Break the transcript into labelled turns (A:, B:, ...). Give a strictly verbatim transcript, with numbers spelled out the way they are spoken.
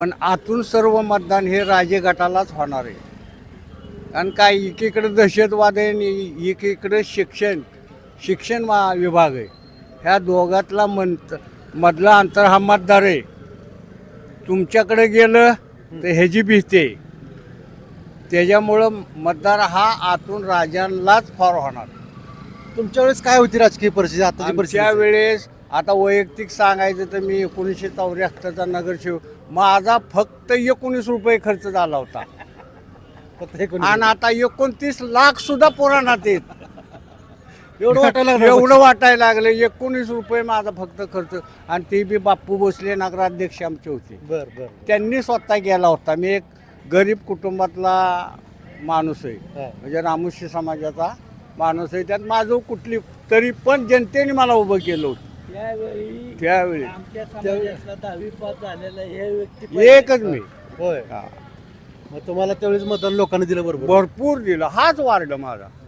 A: पण आतून सर्व मतदान हे राजे गटालाच होणार आहे. कारण काय एकीकडे दहशतवाद आहे आणि एकीकडे शिक्षण शिक्षण मा विभाग आहे. ह्या दोघातला मंत मधला अंतर हा मतदार आहे. तुमच्याकडे गेलं तर ह्याची भीती आहे. त्याच्यामुळं मतदार हा आतून राजांनाच फार होणार.
B: तुमच्या वेळेस काय होती राजकीय परिस्थिती आताची परिस्थिती?
A: आमच्या वेळेस आता वैयक्तिक सांगायचं तर मी एकोणीसशे चौऱ्याहत्तरचा नगरसेवक, माझा फक्त एकोणीस रुपये खर्च झाला होता.
B: फक्त एकोणीस.
A: आणि आता एकोणतीस लाख सुद्धा पुराणात येत.
B: एवढं वाटायला लागलं?
A: एवढं वाटायला लागलं. एकोणीस रुपये माझा फक्त खर्च, आणि ते बी बाप्पू भोसले नगराध्यक्ष आमचे होते.
B: बर बर.
A: त्यांनी स्वतः गेला होता. मी एक गरीब कुटुंबातला माणूस आहे,
B: हा.
A: म्हणजे रामुशी समाजाचा माणूस आहे. त्यात माझं कुठली तरी पण जनतेने मला उभं केलं होतं
C: त्यावेळी
A: त्यावेळी.
C: आमच्या समाजातला दहावी पास झालेला हे व्यक्ती
A: एकच मी.
B: होय.
A: हा.
B: मग तुम्हाला त्यावेळेस मतदान लोकांनी दिलं बरोबर?
A: भरपूर दिलं. हाच वार्ड माझा.